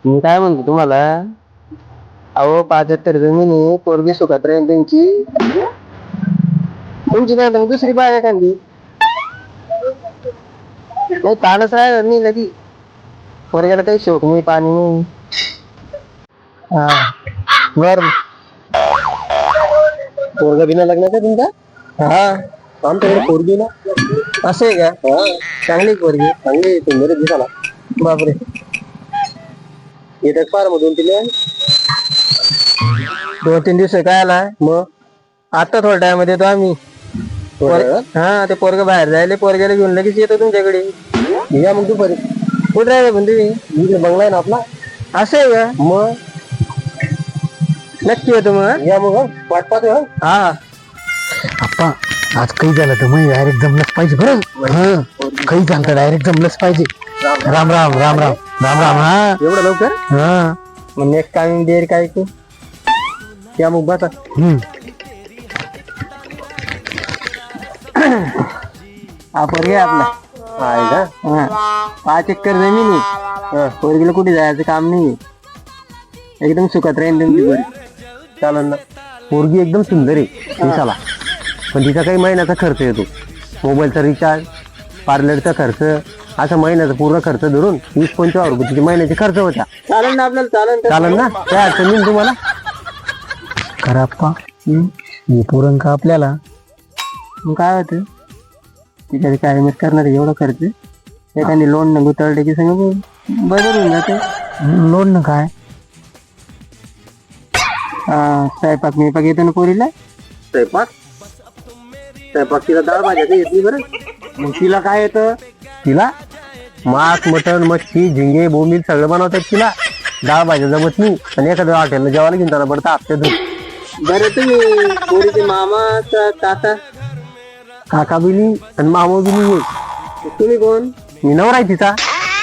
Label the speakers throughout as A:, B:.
A: मी काय म्हणतो तुम्हाला, अहो 75 जमिनी पोरगी सुखात राहील त्यांची. तुमची नाही तर मग दुसरी बाग एखादी. नाही ताणच राहिलं नाही लगी. पोरग्याला काही शोक नाही, पाणी नाही. हा बर. पोरगा बिना लग्नाचा तुमचा? हा आमच्याकडे पोरगी ना. असं आहे का? चांगली पोरगी, चांगली सुंदर दिसाला. बापरे. येतात फार मधून तिला 2-3 दिवस काय आलाय मग. आता थोड्या टाइम मध्ये येतो आम्ही. हा ते पोरग बाहेर जायले, पोरग्याला घेऊन लगेच येतो तुमच्याकडे. या मग दुपारी. कुठे राहिले पण तुम्ही? बंगला आहे ना आपला. असं आहे का? मग नक्की येतो मग. या मग वाट पाहतो. हा
B: आप्पा आज काही झालं तर मग डायरेक्ट जमलंच पाहिजे बरं. काही झालं तर डायरेक्ट जमलंच पाहिजे. राम राम राम राम राम राम. हा
A: एवढं लवकर?
B: हा
A: मग नेक्स्ट टाइम देर काय तू. या मग बसा. हा पोरगी आपला आहे का? 5 एकर जमीन आहे. पोरगीला कुठे जायचं काम नाही. एकदम सुखात राहील तुमची पोरगी. चालेल ना.
B: पोरगी एकदम सुंदर आहे दिसाला, पण तिचा काही महिन्याचा खर्च येतो. मोबाईलचा रिचार्ज, पार्लरचा खर्च, असा महिन्याचा पूर्ण खर्च धरून 20-25 रुपये तिची महिन्याचे खर्च होत्या.
A: चालेल ना आपल्याला.
B: चालेल ना, काय अडचण नाही तुम्हाला. खरं आप्पा हे पुरण का आपल्याला.
A: मग काय होतं तिच्याकडे काय मिस करणार एवढा खर्च. एखादी लोन न गुतळले की सगळं बदल होऊन जाते.
B: लोन ना काय.
A: स्वयंपाक मिपाक येतो ना पोरीला. स्वयंपाक तिला डाळ भाज्या येते बरं. मग तिला काय येतं?
B: तिला मांस, मटण, मच्छी, झिंगे, बोंबील सगळं बनवतात तिला. डाळ भाज्या जमत नाही, आणि एखाद्या हॉटेलला जेवायला घेऊन त्याला पडतं हप्त्यातून.
A: बरं तुम्ही पोरीचे मामा काका
B: काका बिनी आणि मामा बिनी ये.
A: तुम्ही कोण?
B: मी नवरा आहे तिचा.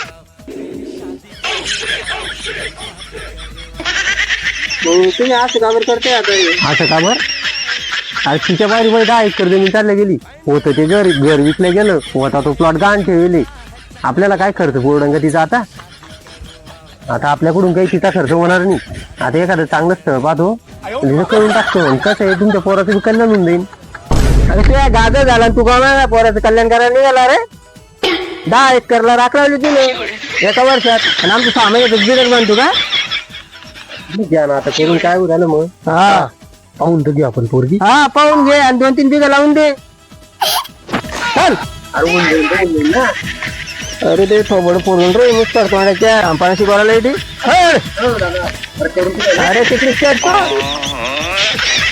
A: मग तुम्ही असं काबर करताय आता?
B: असं का बर? अरे तिच्या बाहेर 10 एकर जमीन चालल्या गेली. होतं ते घर विकलं गेलं, होता तो प्लॉट गहाण ठेवले. आपल्याला काय खर्च पोरडंग तिचा. आता आपल्याकडून काही तिचा खर्च होणार नाही. आता एखादं चांगलं स्थळ पाहतो, तिथं करून टाकतो. कसं आहे, तुमच्या पोराचं कल्याण होऊन जाईल.
A: अरे तुझ्या गाजर झाला तू का पोराचं कल्याण करायला निघाला रे. 10 एकरला राखलावली तिने एका वर्षात, आणि आमचं 6 महिन्यात बिगर बांधतो का.
B: घ्या ना आता करून, काय झालं मग.
A: हा
B: पाहून तर घेऊ आपण पोरगी.
A: हा पाहून घे, आणि 2-3 बिघा लावून दे. चल. अरे ते थोबड पोरून रे नुसतं तोंडाच्या पाण्याशी बोलायला येते. अरे तिकडे